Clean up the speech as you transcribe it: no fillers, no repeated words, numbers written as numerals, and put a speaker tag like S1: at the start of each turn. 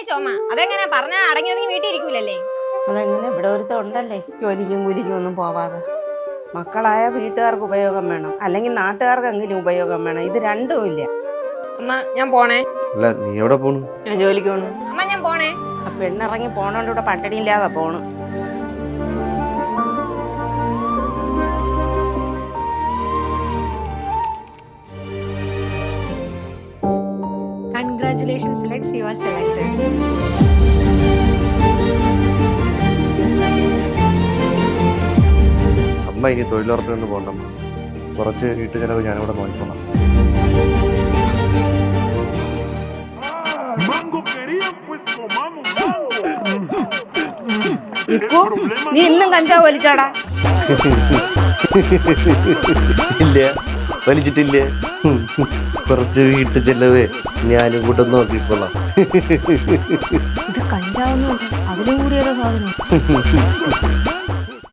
S1: ചുമ. അതെങ്ങനെ പറഞ്ഞാ അടങ്ങി ഒതുങ്ങി വീട്ടിൽ ഇരിക്കൂലല്ലേ?
S2: അതെങ്ങനെ ഇവിടെ ഒരുത്തം ഉണ്ടല്ലേ ജോലിക്കും കൂലിക്കും ഒന്നും പോവാതെ.
S3: മക്കളായ വീട്ടുകാർക്ക് ഉപയോഗം വേണം, അല്ലെങ്കിൽ നാട്ടുകാർക്കെങ്കിലും ഉപയോഗം വേണം. ഇത് രണ്ടും ഇല്ല.
S1: അമ്മ ഞാൻ പോണേ.
S4: അല്ല നീ എവിടെ പോണു?
S2: ഞാൻ ജോലിക്ക് പോണു.
S1: അമ്മ ഞാൻ പോണേ.
S3: ആ പെണ്ണിറങ്ങി പോണോണ്ട് ഇവിടെ പട്ടിണി ഇല്ലാതെ പോണ്.
S5: Congratulations, Lex, you are selected.
S4: അമ്മ ഇനി തൊഴിലുറപ്പിനൊന്നും പോകണ്ടമ്മ. കുറച്ച് വീട്ടു ചെലവ് ഞാനിവിടെ നോക്കിക്കോളാം.
S3: നീ ഇന്നും കഞ്ചാവ് വലിച്ചാടാ?
S4: ഇല്ല, വലിച്ചിട്ടില്ലേ. കുറച്ച് വീട്ടു ചെലവ് ഞാനും കൂടെ നോക്കിക്കോളാം.
S5: ഇത് കഞ്ചാവൊന്നും അതിലും കൂടിയൊരു സാധനം.